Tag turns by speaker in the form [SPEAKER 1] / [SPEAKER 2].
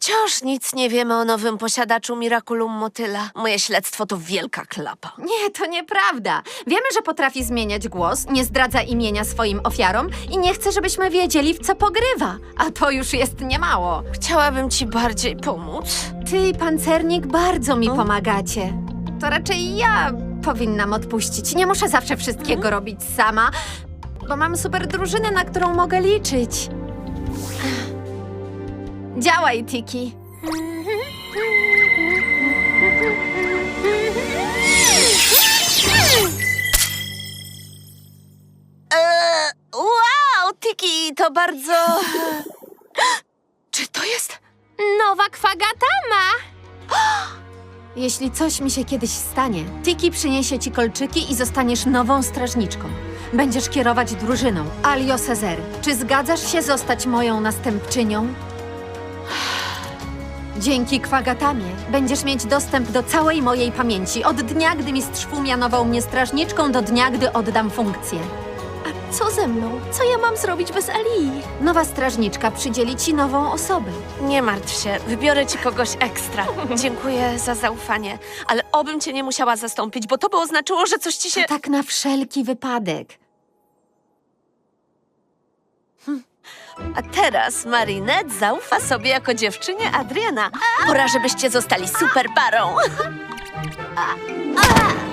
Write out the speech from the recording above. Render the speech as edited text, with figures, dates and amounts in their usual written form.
[SPEAKER 1] Wciąż nic nie wiemy o nowym posiadaczu Miraculum Motyla. Moje śledztwo to wielka klapa.
[SPEAKER 2] Nie, to nieprawda. Wiemy, że potrafi zmieniać głos, nie zdradza imienia swoim ofiarom i nie chce, żebyśmy wiedzieli, w co pogrywa. A to już jest niemało.
[SPEAKER 1] Chciałabym ci bardziej pomóc.
[SPEAKER 2] Ty i pancernik bardzo mi pomagacie. To raczej ja powinnam odpuścić. Nie muszę zawsze wszystkiego robić sama, bo mam super drużynę, na którą mogę liczyć. Działaj, Tiki.
[SPEAKER 1] Wow, Tiki, to bardzo... Czy to jest...
[SPEAKER 2] Nowa kwagatama! Jeśli coś mi się kiedyś stanie, Tiki przyniesie ci kolczyki i zostaniesz nową strażniczką. Będziesz kierować drużyną. Alio Cezery, czy zgadzasz się zostać moją następczynią? Dzięki kwagatamie będziesz mieć dostęp do całej mojej pamięci. Od dnia, gdy mistrz Fu mianował mnie strażniczką, do dnia, gdy oddam funkcję.
[SPEAKER 1] A co ze mną? Co ja mam zrobić bez Alii?
[SPEAKER 2] Nowa strażniczka przydzieli ci nową osobę.
[SPEAKER 1] Nie martw się, wybiorę ci kogoś ekstra. Dziękuję za zaufanie, ale obym cię nie musiała zastąpić, bo to by oznaczyło, że coś ci się...
[SPEAKER 2] To tak na wszelki wypadek.
[SPEAKER 1] A teraz Marinette zaufa sobie jako dziewczynie Adriana. Pora, żebyście zostali super parą.